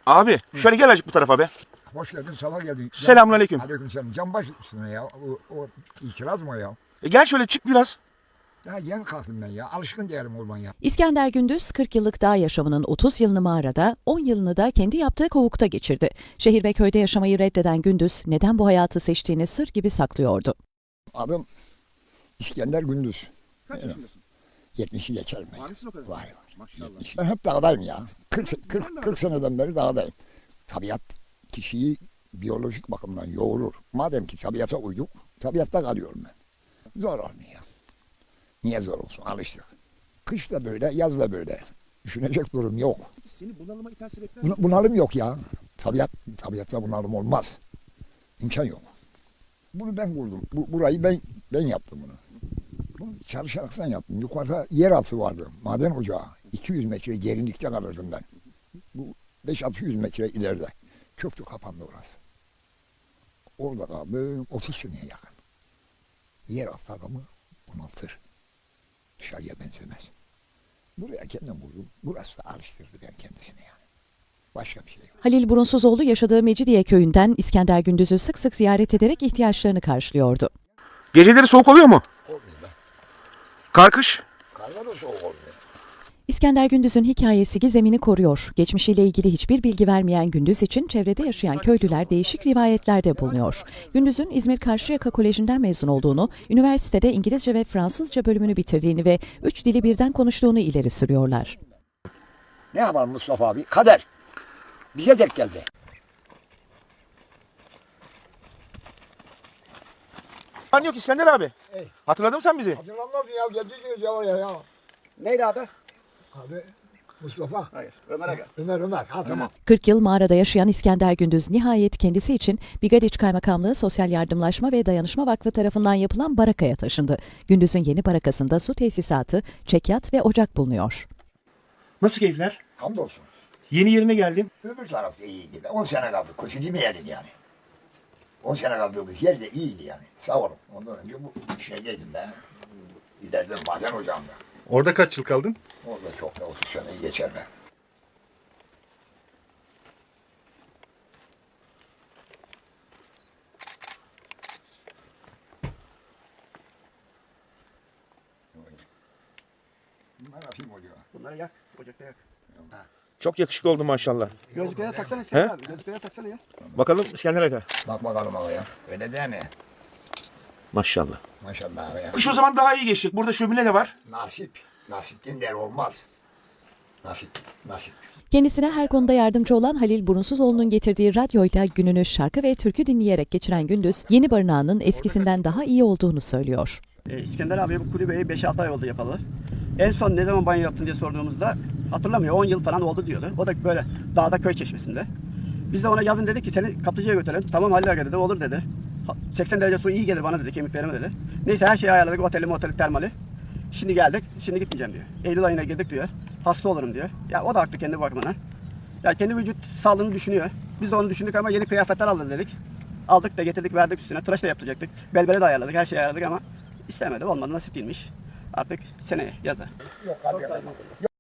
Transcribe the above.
Abi şöyle gel azıcık bu tarafa be. Hoş geldin, sabah geldin. Selamünaleyküm. Aleykümselam. Canbaş üstüne ya. O itiraz mı o ya? Gel şöyle çık biraz. Ya yeni kalktım ben ya. Alışkın değilim orman ya. İskender Gündüz 40 yıllık dağ yaşamının 30 yılını mağarada, 10 yılını da kendi yaptığı kovukta geçirdi. Şehir ve köyde yaşamayı reddeden Gündüz neden bu hayatı seçtiğini sır gibi saklıyordu. Adım İskender Gündüz. Kaç yaşındasın? 70'i geçer mi? Var mısın o kadar? Var. Maşallah. Ben hep dağdayım ya. 40 seneden beri dağdayım. Tabiat kişiyi biyolojik bakımdan yoğurur. Madem ki tabiata uyduk, tabiatta kalıyorum ben. Zor olmuyor. Niye zor olsun? Alıştık. Kış da böyle, yaz da böyle. Düşünecek durum yok. Seni bunalıma iten sebepler ne? Bunalım yok ya. Tabiatta bunalım olmaz. İmkan yok. Bunu ben kurdum. Burayı ben yaptım bunu. Bunu çalışaraktan yaptım. Yukarıda yeraltı vardı. Maden ocağı. 200 metre derinlikte kalırdım ben. Bu 5-600 metre ileride. Çöktü, kapandı orası. Orada kaldım 30 seneye yakın. Yeraltı adamı bunaltır. Dışarıya benzemez. Buraya kendim vurdum. Burası da alıştırdı ben kendisine yani. Başka bir şey yok. Halil Burunsuzoğlu yaşadığı Mecidiye köyünden İskender Gündüz'ü sık sık ziyaret ederek ihtiyaçlarını karşılıyordu. Geceleri soğuk oluyor mu? Olmuyor be. Kar kış? Karlar da soğuk olmuyor. İskender Gündüz'ün hikayesi gizemini koruyor. Geçmişiyle ilgili hiçbir bilgi vermeyen Gündüz için çevrede yaşayan köylüler değişik rivayetlerde bulunuyor. Gündüz'ün İzmir Karşıyaka Koleji'nden mezun olduğunu, üniversitede İngilizce ve Fransızca bölümünü bitirdiğini ve 3 dili birden konuştuğunu ileri sürüyorlar. Ne yapalım Mustafa abi? Kader. Bize denk geldi. Lan yok İskender abi. Ey. Hatırladın mı sen bizi? Hatırlanmaz mı ya? Geldiydiniz ya. Neydi adı? Abi Mustafa. Hayır. Ömer Aga. Ömer. Ha tamam. 40 yıl mağarada yaşayan İskender Gündüz nihayet kendisi için Bigadiç Kaymakamlığı Sosyal Yardımlaşma ve Dayanışma Vakfı tarafından yapılan barakaya taşındı. Gündüz'ün yeni barakasında su tesisatı, çekyat ve ocak bulunuyor. Nasıl keyifler? Hamdolsun. Yeni yerine geldin. Öbür tarafta iyiydi. 10 sene kaldık. Kötü demeyelim yani. 10 sene kaldığımız yer de iyiydi yani. Sağ olun. Ondan önce bu şeydeydim ben. İleride maden ocağında. Orada kaç yıl kaldın? Orada çok da 30 seneyi geçer ben. Bunlar atayım oluyor. Bunları yak. Ocakta yak. Çok yakışıklı oldun maşallah. Gözlükleri taksana He? İskender abi. Gözlükleri taksana ya. Bakalım İskender Aga. Bak bakalım ağaya. Öyle değil mi? Maşallah. Maşallah ağaya. Kış o zaman daha iyi geçtik. Burada şömine de var. Nasip. Nasipten der olmaz. Nasip. Kendisine her konuda yardımcı olan Halil Burunsuzoğlu'nun getirdiği radyoyla gününü şarkı ve türkü dinleyerek geçiren Gündüz, yeni barınağının eskisinden daha iyi olduğunu söylüyor. İskender abiye bu kulübeyi 5-6 ay oldu yapalı. En son ne zaman banyo yaptın diye sorduğumuzda hatırlamıyor. 10 yıl falan oldu diyordu. O da böyle dağda köy çeşmesinde. Biz de ona yazın dedik ki seni kaplıcaya götürelim. Tamam Halil Aga dedi. Olur dedi. 80 derece su iyi gelir bana dedi. Kemiklerime dedi. Neyse her şeyi ayarladık. Oteli termali. Şimdi geldik. Şimdi gitmeyeceğim diyor. Eylül ayına girdik diyor. Hasta olurum diyor. Ya o da haklı kendi bakımına. Ya kendi vücut sağlığını düşünüyor. Biz de onu düşündük ama yeni kıyafetler aldı dedik. Aldık da getirdik verdik üstüne. Tıraş da yaptıracaktık. Belbere de ayarladık. Her şeyi ayarladık ama istemedi. Olmadı nasip değilmiş. Artık seneye yaza. Yok hadi.